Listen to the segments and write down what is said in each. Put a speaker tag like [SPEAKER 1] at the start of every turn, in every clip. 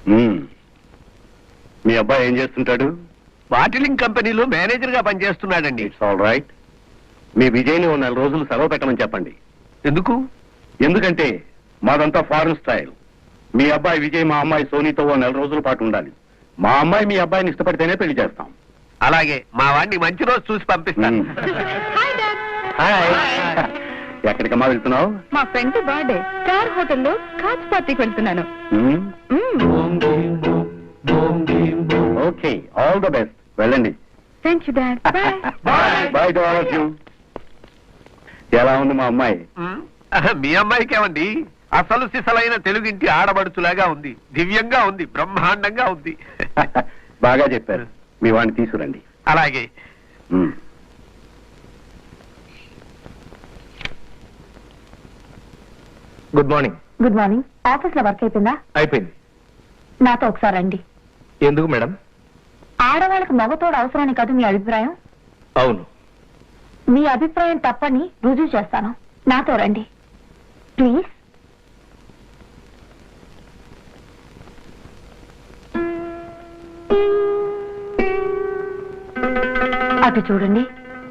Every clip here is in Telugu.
[SPEAKER 1] మీ అబ్బాయి ఏం చేస్తుంటాడు?
[SPEAKER 2] బాటిలింగ్ కంపెనీలో మేనేజర్ గా పనిచేస్తున్నాడండి.
[SPEAKER 1] It's all right. మీ విజయ్ని 4 నెలల రోజులు సెలవు పెట్టమని చెప్పండి.
[SPEAKER 2] ఎందుకు?
[SPEAKER 1] ఎందుకంటే మాదంతా ఫారెన్ స్టైల్. మీ అబ్బాయి విజయ్ మా అమ్మాయి సోనీతో 4 నెలల రోజుల పాటు ఉండాలి. మా అమ్మాయి మీ అబ్బాయిని ఇష్టపడితేనే పెళ్లి చేస్తాం.
[SPEAKER 2] అలాగే, మా వాడిని మంచి రోజు చూసి పంపిస్తాను.
[SPEAKER 1] ఎక్కడికమ్మా వెళ్తున్నావు?
[SPEAKER 3] మా ఫ్రెండ్ బర్త్డే స్టార్ హోటల్లో స్కాచ్ పార్టీకి వెళ్తున్నాను.
[SPEAKER 1] Okay, all the best. వెళ్ళండి.
[SPEAKER 3] Thank you dad.
[SPEAKER 1] Bye to all of you. ఎలా ఉంది మా అమ్మాయి?
[SPEAKER 2] మీ అమ్మాయికి ఏమండి, అసలు సిసలైన తెలుగింటి ఆడబడుచులాగా ఉంది. దివ్యంగా ఉంది, బ్రహ్మాండంగా ఉంది.
[SPEAKER 1] బాగా చెప్పారు. మీ వాడిని తీసుకురండి.
[SPEAKER 2] అలాగే.
[SPEAKER 4] Good morning.
[SPEAKER 3] Good morning. Office లో వర్క్ అయిపోయిందా?
[SPEAKER 4] అయిపోయింది.
[SPEAKER 3] నాతో ఒకసారి రండి.
[SPEAKER 4] ఎందుకు మేడం?
[SPEAKER 3] ఆడవాళ్ళకి మగతోడు అవసరాన్ని కాదు మీ అభిప్రాయం?
[SPEAKER 4] అవును.
[SPEAKER 3] మీ అభిప్రాయం తప్పని రుజువు చేస్తాను. నాతో రండి ప్లీజ్. అటు చూడండి.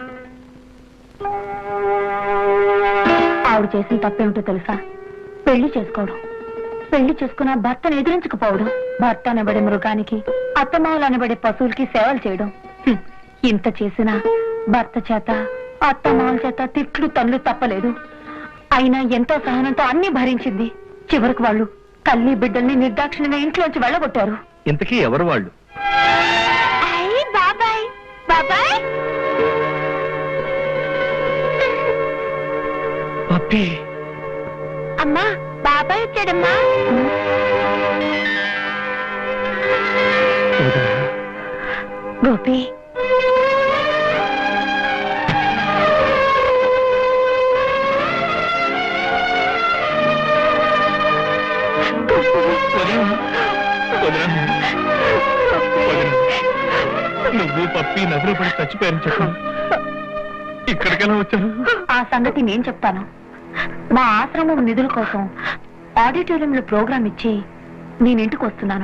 [SPEAKER 3] ఆవిడ చేసిన తప్పేమిటో తెలుసా? పెళ్లి చేసుకోవడం. పెళ్లి చేసుకున్న భర్తను ఎదిరించకపోవడం. భర్త అనబడే మృగానికి, అత్తమావులు అనబడే పశువులకి సేవలు చేయడం. ఇంత చేసినా భర్త చేత, అత్తమావుల చేత తిట్లు తన్నులు తప్పలేదు. అయినా ఎంతో సహనంతో అన్ని భరించింది. చివరికి వాళ్ళు తల్లి బిడ్డల్ని నిర్దాక్షిణ్యంగా ఇంట్లోంచి వెళ్ళగొట్టారు.
[SPEAKER 4] ఇంతకీ ఎవరు వాళ్ళు?
[SPEAKER 3] బాబాయ్ బాబాయ్.
[SPEAKER 4] పప్పి.
[SPEAKER 3] అమ్మా, బాబాయ్ వచ్చాడమ్మా. గోపి,
[SPEAKER 4] నువ్వు పప్పి నదులు పడి చచ్చిపోయారని చెప్పు. ఇక్కడికెలా వచ్చాను?
[SPEAKER 3] ఆ సంగతి నేను చెప్తాను. మా ఆశ్రమం నిధుల కోసం ఆడిటోరియంలో ప్రోగ్రామ్ ఇచ్చి నేను ఇంటికి వస్తున్నాను.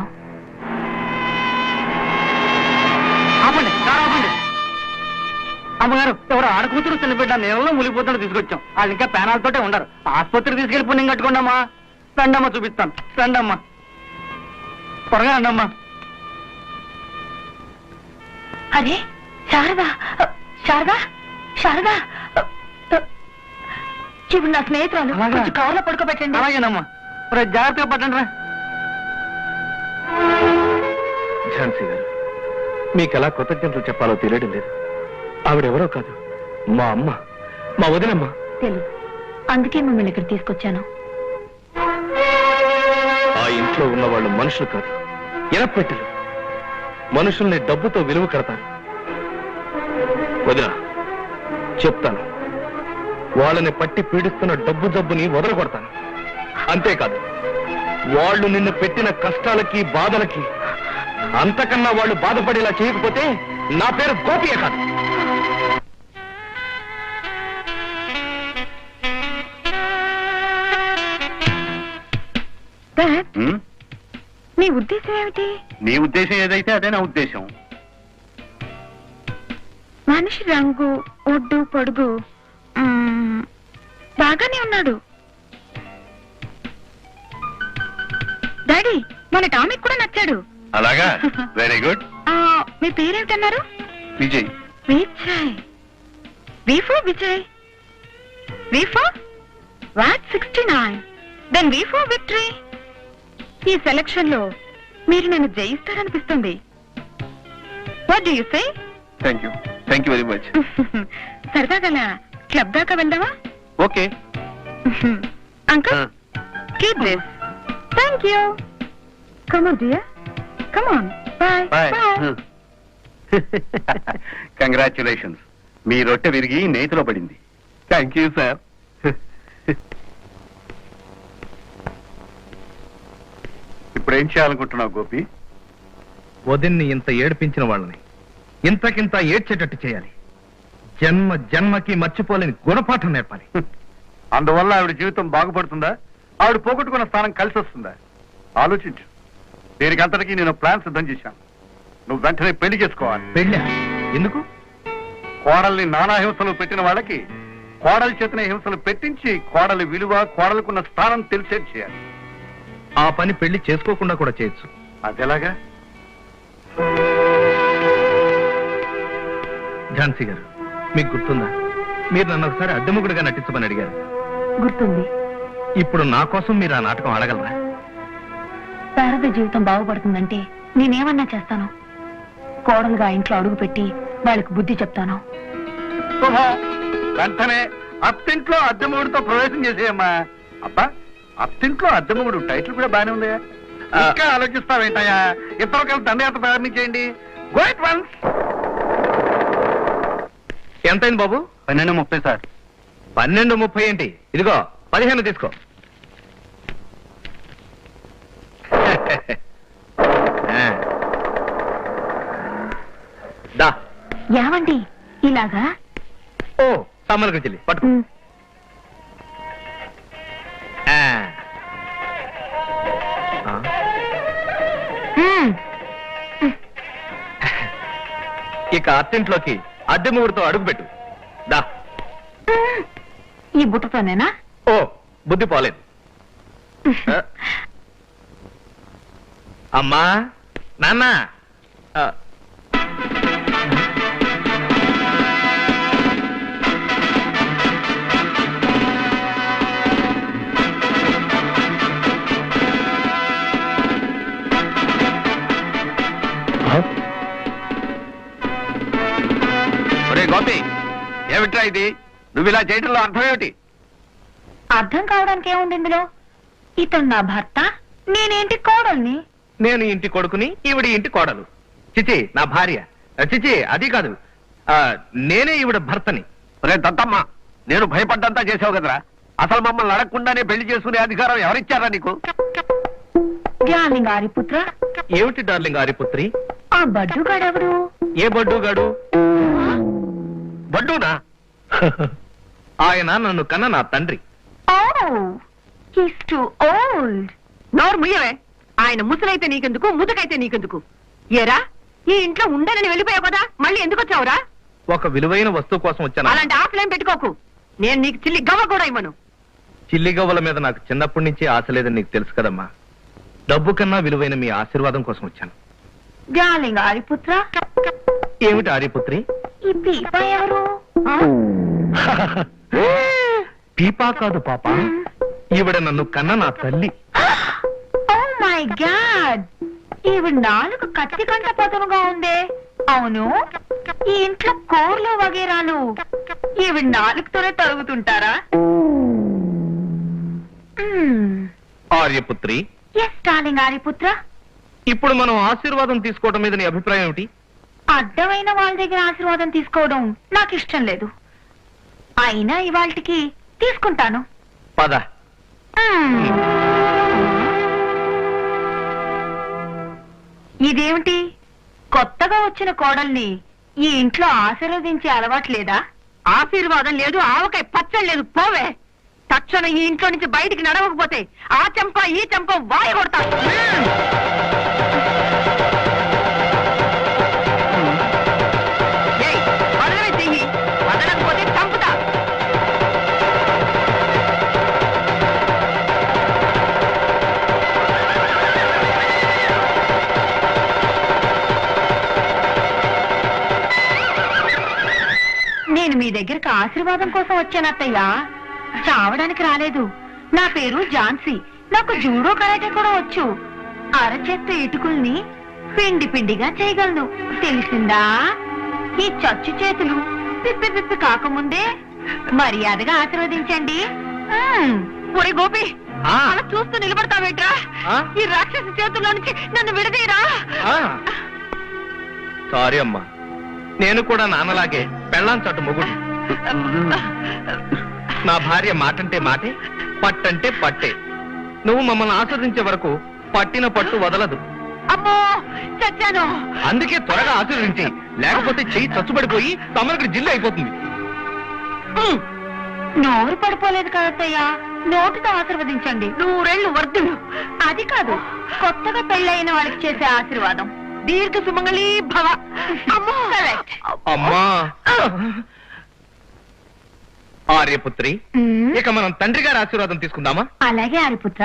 [SPEAKER 5] అమ్మగారు, ఎవరు ఆడకూతురు చిన్నబిడ్డ నీళ్ళలో మునిగిపోతుంటే తీసుకొచ్చాం. వాళ్ళు ఇంకా పేనాలతోటే ఉండరు. ఆసుపత్రికి తీసుకెళ్లి పుణ్యం కట్టుకోండమ్మా. రండమ్మా, చూపిస్తాను. రండమ్మా, త్వరగా రండమ్మా.
[SPEAKER 3] అరే శారదా, శారదా, శారదా, ఇప్పుడు నా స్నేహితురాలు. కొంచెం కవర్లో పడుకోబెట్టండి.
[SPEAKER 5] అలాగేనమ్మా. జాగ్రత్తగా పట్టండి రా.
[SPEAKER 4] ఝాన్సీ గారు, మీకు ఎలా కృతజ్ఞతలు చెప్పాలో తెలియడం లేదు. ఆవిడెవరో కాదు, మా అమ్మ, మా వదినమ్మ.
[SPEAKER 3] తెలుసు, అందుకే మిమ్మల్ని ఇక్కడ తీసుకొచ్చాను.
[SPEAKER 4] ఆ ఇంట్లో ఉన్న వాళ్ళు మనుషులు కాదు, ఎనపెట్టెలు. మనుషుల్ని డబ్బుతో విలువ కడతారు. వదిన, చెప్తాను, వాళ్ళని పట్టి పీడిస్తున్న డబ్బు జబ్బుని వదలగొడతాను. అంతేకాదు, వాళ్ళు నిన్ను పెట్టిన కష్టాలకి, బాధలకి అంతకన్నా వాళ్ళు బాధపడేలా చేయకపోతే నా పేరు గోపియే కాదు.
[SPEAKER 3] నీ ఉద్దేశం ఏమిటి?
[SPEAKER 1] నీ ఉద్దేశం ఏదైతే అదే నా ఉద్దేశం.
[SPEAKER 3] మనిషి రంగు, ఒడ్డు, పొడుగు బాగానే ఉన్నాడు. డాడీ, మన టామిక్ కూడా నచ్చాడు.
[SPEAKER 2] అలాగా, వెరీ గుడ్.
[SPEAKER 3] మీ పేరేమిటన్నారు?
[SPEAKER 2] Vijay.
[SPEAKER 3] Vijay. V for Vijay. V for VAT 69. Then V for victory. ఈ సెలక్షన్ లో మీరు నన్ను జయిస్తారనిపిస్తుంది. What do you say?
[SPEAKER 2] Thank you very much.
[SPEAKER 3] సరదాగా క్లబ్ దాకా వెళ్దామా?
[SPEAKER 2] Okay
[SPEAKER 3] uncle, keep this. Thank you. Come on dear. Come on. Bye.
[SPEAKER 2] Bye.
[SPEAKER 1] Congratulations. మీ రొట్టె విరిగి నేతిలో పడింది.
[SPEAKER 2] Thank you sir.
[SPEAKER 1] ఇప్పుడు ఏం చేయాలనుకుంటున్నావు గోపి?
[SPEAKER 4] వదిన్ని ఇంత ఏడిపించిన వాళ్ళని ఇంతకింత ఏడ్చేటట్టు చేయాలి. జన్మ జన్మకి మర్చిపోలేని గుణపాఠం నేర్పాలి.
[SPEAKER 1] అందువల్ల ఆవిడ జీవితం బాగుపడుతుందా? ఆవిడ పోగొట్టుకున్న స్థానం కలిసి వస్తుందా? ఆలోచించు.
[SPEAKER 2] దీనికి అంతటికీ నేను ప్లాన్ సిద్ధం చేశాను. నువ్వు వెంటనే పెళ్లి చేసుకోవాలి.
[SPEAKER 4] పెళ్ళా? ఎందుకు?
[SPEAKER 2] కోడల్ని నానా హింసలు పెట్టిన వాళ్ళకి కోడలి చేతనే హింసలు పెట్టించి కోడలి విలువ, కోడలికున్న స్థానం తెలిసేది చేయాలి.
[SPEAKER 4] ఆ పని పెళ్లి చేసుకోకుండా కూడా చేయొచ్చు.
[SPEAKER 2] అదెలాగా?
[SPEAKER 4] ఝాన్సీ గారు, మీకు గుర్తుందా, మీరు నన్ను ఒకసారి అద్దెముగుడుగా నటించమని అడిగారు.
[SPEAKER 3] గుర్తుంది.
[SPEAKER 4] ఇప్పుడు నా కోసం మీరు ఆ నాటకం ఆడగలరా?
[SPEAKER 3] శారద జీవితం బాగుపడుతుందంటే నేనేమన్నా చేస్తాను. కోడలుగా ఇంట్లో అడుగు పెట్టి వాళ్ళకి బుద్ధి చెప్తాను.
[SPEAKER 2] శుభం. వెంటనే అత్తింట్లో అద్దెమూడితో ప్రవేశం చేసేయమ్మా. అబ్బా, అత్తింట్లో అద్దెమూడు టైటిల్ కూడా బానే ఉంది. ఇంకా ఆలోచిస్తావేంటయ్యా? ఇద్దరు కలిసి దండయాత్ర ప్రారంభించేయండి. Go at once.
[SPEAKER 4] ఎంతైంది బాబు?
[SPEAKER 1] 12:30 సార్.
[SPEAKER 4] 12:30 ఏంటి? ఇదిగో 15 తీసుకో. దా.
[SPEAKER 3] ఏమండి ఇలాగా?
[SPEAKER 4] ఓ సామాన్లు చెల్లి పట్టుకో. ఇక అత్తింట్లోకి అద్దె ముగ్గురుతో అడుగుపెట్టు. దా.
[SPEAKER 3] ఈ బుట్టతోనేనా?
[SPEAKER 4] ఓ బుద్ధి పోలేదు. అమ్మా, నాన్న,
[SPEAKER 2] ఒరే గోపి, ఏమిట్రా ఇది? నువ్వు ఇలా చేయడంలో అర్థం ఏమిటి?
[SPEAKER 3] అర్థం కావడానికి ఏముంది ఇందులో? ఇతను నా భర్త, నేనేంటి కోడల్ని.
[SPEAKER 4] నేను ఇంటి కొడుకుని, ఈవిడ ఇంటి కోడలు. చిచి నా భార్య. చిచి అది కాదు, నేనే ఈవిడ భర్తని.
[SPEAKER 2] ఒరే దత్తమ్మ, నేను భయపడ్డంతా చేసావు కదరా. అసలు మమ్మల్ని అడగకుండానే పెళ్లి చేసుకునే అధికారం ఎవరిచ్చారా నీకు?
[SPEAKER 3] డార్లింగ్ ఆరిపుత్ర.
[SPEAKER 4] ఏమిటి డార్లింగ్ ఆరిపుత్రి?
[SPEAKER 3] ఆ బడ్డుగాడెవడు?
[SPEAKER 4] ఏ బడ్డుగాడు?
[SPEAKER 2] బడ్డూనా?
[SPEAKER 4] ఆయన నన్ను కన్న నా తండ్రి.
[SPEAKER 6] నోరు ముయ్యవే. ఆయన ముసలైతే నీకెందుకు, ముదుకైతే నీకెందుకు? ఏరా, ఈ ఇంట్లో ఉండనని వెళ్ళిపోయావు కదా, మళ్ళీ ఎందుకు వచ్చావురా?
[SPEAKER 4] ఒక విలువైన వస్తువు కోసం వచ్చాను.
[SPEAKER 6] అలాంటి ఆశలేం పెట్టుకోకు. నేను నీకు చిల్లి గవ్వ కూడా ఇవ్వను.
[SPEAKER 4] చిల్లి గవ్వల మీద నాకు చిన్నప్పటి నుంచి ఆశ లేదని నీకు తెలుసు కదమ్మా. డబ్బు కన్నా విలువైన మీ ఆశీర్వాదం కోసం వచ్చాను.
[SPEAKER 3] డార్లింగ్ ఆరిపుత్ర.
[SPEAKER 4] ఏమిటి ఆర్యపుత్రి?
[SPEAKER 3] ఈ పీపా ఎవరు?
[SPEAKER 4] పీపా కాదు పాప, ఈవిడ నన్ను కన్న నా తల్లి.
[SPEAKER 3] ఓ మై గాడ్, ఈవిడ నాలుగు కత్తి కంట పదునుగా ఉందే. అవును, ఈ ఇంట్లో కూరలు వగేరాలు ఈవిడ నాలుగుతోనే తరుగుతుంటారా?
[SPEAKER 4] ఆర్యపుత్రి.
[SPEAKER 3] Yes darling ఆర్యపుత్ర.
[SPEAKER 4] ఇప్పుడు మనం ఆశీర్వాదం తీసుకోవడం మీద నీ అభిప్రాయం ఏమిటి?
[SPEAKER 3] అడ్డమైన వాళ్ళ దగ్గర ఆశీర్వాదం తీసుకోవడం నాకు ఇష్టం లేదు. అయినా ఇవాళకి తీసుకుంటాను.
[SPEAKER 4] పద.
[SPEAKER 3] ఇదేమిటి, కొత్తగా వచ్చిన కోడల్ని ఈ ఇంట్లో ఆశీర్వదించే అలవాట్లేదా?
[SPEAKER 6] ఆశీర్వాదం లేదు, ఆవకాయ పచ్చడి లేదు. పోవే. తక్షణం ఈ ఇంట్లో నుంచి బయటికి నడవకపోతే ఆ చెంప ఈ చెంప వాయి కొడతా. వదలవే చెయ్యి, వదలకపోతే చంపుతా.
[SPEAKER 3] నేను మీ దగ్గరకు ఆశీర్వాదం కోసం వచ్చాను అత్తయ్య, చావడానికి రాలేదు. నా పేరు ఝాన్సీ. నాకు జూడో కరాటే కూడా వచ్చు. అరచేత్త ఇటుకుల్ని పిండి పిండిగా చేయగలను, తెలిసిందా? ఈ చచ్చు చేతులు పిప్పి పిప్పి కాకముందే మర్యాదగా ఆశీర్వదించండి.
[SPEAKER 6] ఒరే గోపి,
[SPEAKER 4] ఆ.
[SPEAKER 6] అలా చూస్తూ నిలబడతావేట్రా?
[SPEAKER 4] ఆ?
[SPEAKER 6] ఈ రాక్షసి చేతుల్లో నుంచి నన్ను విడదీయరా.
[SPEAKER 4] సారీ అమ్మా, నేను కూడా నాన్నలాగే పెళ్ళాం చట్టు మొగుడు. నా భార్య మాటంటే మాటే, పట్టంటే పట్టే. నువ్వు మమ్మల్ని ఆస్వాదించే వరకు పట్టిన పట్టు వదలదు.
[SPEAKER 6] అమ్మో, చచ్చాను.
[SPEAKER 4] అందుకే త్వరగా ఆశీర్వదించి, లేకపోతే చెయ్యి చచ్చుబడిపోయి తమరికి జిల్లు అయిపోతుంది.
[SPEAKER 3] నోరు పడిపోలేదు కదత్తయ్య, నోటితో ఆశీర్వదించండి.
[SPEAKER 6] 100 ఏళ్ళు వర్ధులు.
[SPEAKER 3] అది కాదు, కొత్తగా పెళ్ళైన వాళ్ళకి చేసే ఆశీర్వాదం.
[SPEAKER 6] దీర్ఘ సుమంగళి భవ. అమ్మో.
[SPEAKER 3] Correct.
[SPEAKER 4] అమ్మా ఆర్యపుత్రి, ఇక మనం తండ్రి గారి ఆశీర్వాదం తీసుకుందామా?
[SPEAKER 3] అలాగే ఆరిపుత్ర.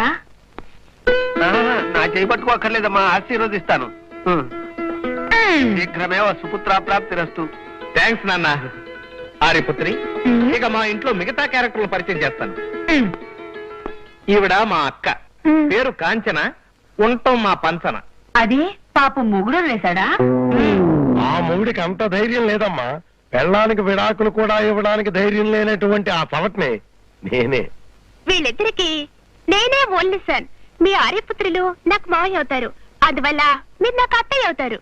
[SPEAKER 2] నా చేయి పట్టుకోక్కర్లేదమ్మా, ఆశీర్వదిస్తాను. శీఘ్రమేవ సుపుత్ర ప్రాప్తిరస్తు.
[SPEAKER 4] థ్యాంక్స్ నాన్న. ఆర్యపుత్రి, ఇక మా ఇంట్లో మిగతా క్యారెక్టర్లు పరిచయం చేస్తాను. ఈవిడ మా అక్క, పేరు కాంచన, ఉంటాం మా పంచన.
[SPEAKER 3] అది పాపం మొగుడు వేశాడా?
[SPEAKER 1] ఆ మొగుడికి అంత ధైర్యం లేదమ్మా. పెళ్ళానికి విడాకులు కూడా ఇవ్వడానికి ధైర్యం లేనటువంటి ఆ పవట్ని నేనే.
[SPEAKER 7] వీళ్ళిద్దరికి నేనే ఓన్లీ సన్. మీ ఆర్యపుత్రులు నాకు మావయ్య అవుతారు, అందువల్ల మీరు నాకు అత్తయ్య అవుతారు.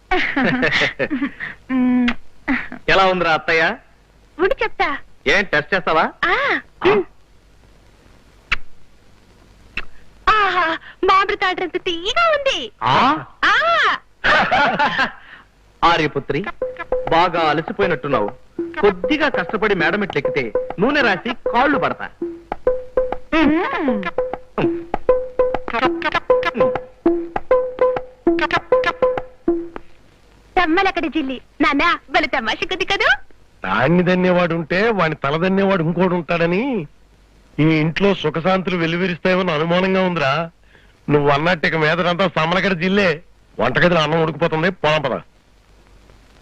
[SPEAKER 4] ఎలా ఉందిరా అత్తయ్య?
[SPEAKER 7] ఉండి చెప్తా.
[SPEAKER 4] ఏం టెస్ట్ చేస్తావా?
[SPEAKER 7] ఆహా, మామిడి తాటంత తీయగా ఉంది.
[SPEAKER 4] ఆర్యపుత్రి, బాగా అలసిపోయినట్టున్నావు. కొద్దిగా కష్టపడి మేడం ఎక్కితే నూనె రాసి కాళ్ళు పడతా.
[SPEAKER 7] తమ్మలక్కడి జిల్లి నాన్న బలి తమాష కొద్ది కదూ.
[SPEAKER 1] దాన్ని దన్నేవాడు ఉంటే వాడిని తలదన్నేవాడు ఇంకోడు ఉంటాడని ఈ ఇంట్లో సుఖశాంతులు వెలువరిస్తాయేమో అనుమానంగా ఉందిరా. నువ్వు అన్నట్టు ఇక మీదంతా సమ్మలకడ జిల్లే. వంటగదిలో అన్నం ఉడికిపోతుంది, పోదాం పద.